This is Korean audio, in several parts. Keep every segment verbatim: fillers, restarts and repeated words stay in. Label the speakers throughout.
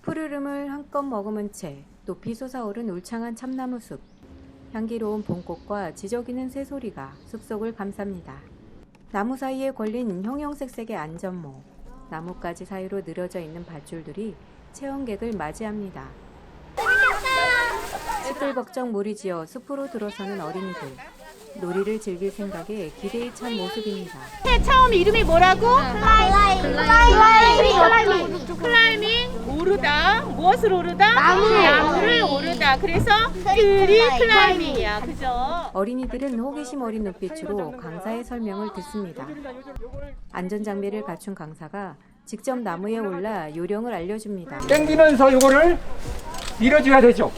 Speaker 1: 푸르름을 한껏 머금은 채 높이 솟아오른 울창한 참나무숲. 향기로운 봄꽃과 지저귀는 새소리가 숲속을 감쌉니다. 나무 사이에 걸린 형형색색의 안전모. 나뭇가지 사이로 늘어져 있는 밧줄들이 체험객을 맞이합니다. 시끌벅적 무리지어 숲으로 들어서는 어린이들. 놀이를 즐길 생각에 기대에 찬 모습입니다.
Speaker 2: 처음 이름이 뭐라고? 클라이밍. 클라이밍. 오르다. 무엇을 오르다?
Speaker 3: 나무.
Speaker 2: 나무를 오르다. 그래서 트리 클라이밍이야. 그죠?
Speaker 1: 어린이들은 호기심 어린 눈빛으로 강사의 설명을 듣습니다. 안전장비를 갖춘 강사가 직접 나무에 올라 요령을 알려줍니다.
Speaker 4: 당기면서 이거를 밀어줘야 되죠.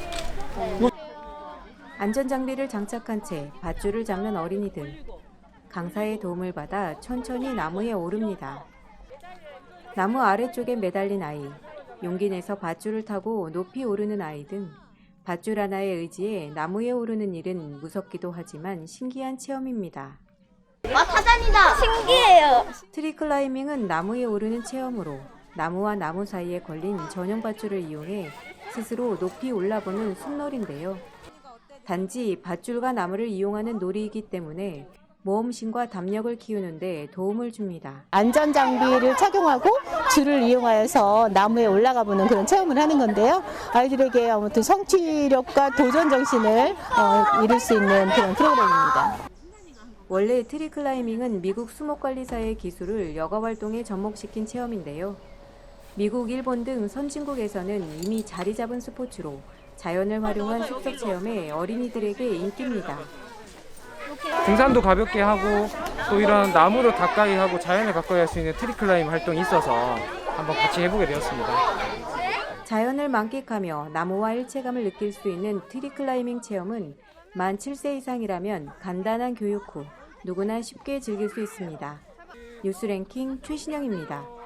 Speaker 1: 안전장비를 장착한 채 밧줄을 잡는 어린이들. 강사의 도움을 받아 천천히 나무에 오릅니다. 나무 아래쪽에 매달린 아이, 용기 내서 밧줄을 타고 높이 오르는 아이 등 밧줄 하나에 의지해 나무에 오르는 일은 무섭기도 하지만 신기한 체험입니다.
Speaker 3: 와, 사단이다. 신기해요.
Speaker 1: 트리 클라이밍은 나무에 오르는 체험으로 나무와 나무 사이에 걸린 전용 밧줄을 이용해 스스로 높이 올라보는 숲놀이인데요. 단지 밧줄과 나무를 이용하는 놀이이기 때문에 모험심과 담력을 키우는 데 도움을 줍니다.
Speaker 5: 안전장비를 착용하고 줄을 이용하여서 나무에 올라가 보는 그런 체험을 하는 건데요. 아이들에게 아무튼 성취력과 도전 정신을 어, 이룰 수 있는 그런 프로그램입니다.
Speaker 1: 원래 트리 클라이밍은 미국 수목관리사의 기술을 여가활동에 접목시킨 체험인데요. 미국, 일본 등 선진국에서는 이미 자리 잡은 스포츠로 자연을 활용한 숲속 체험에 어린이들에게 인기입니다.
Speaker 4: 등산도 가볍게 하고 또 이런 나무를 가까이 하고 자연을 가까이 할 수 있는 트리 클라이밍 활동이 있어서 한번 같이 해보게 되었습니다.
Speaker 1: 자연을 만끽하며 나무와 일체감을 느낄 수 있는 트리 클라이밍 체험은 만 칠 세 이상이라면 간단한 교육 후 누구나 쉽게 즐길 수 있습니다. 뉴스랭킹 최신영입니다.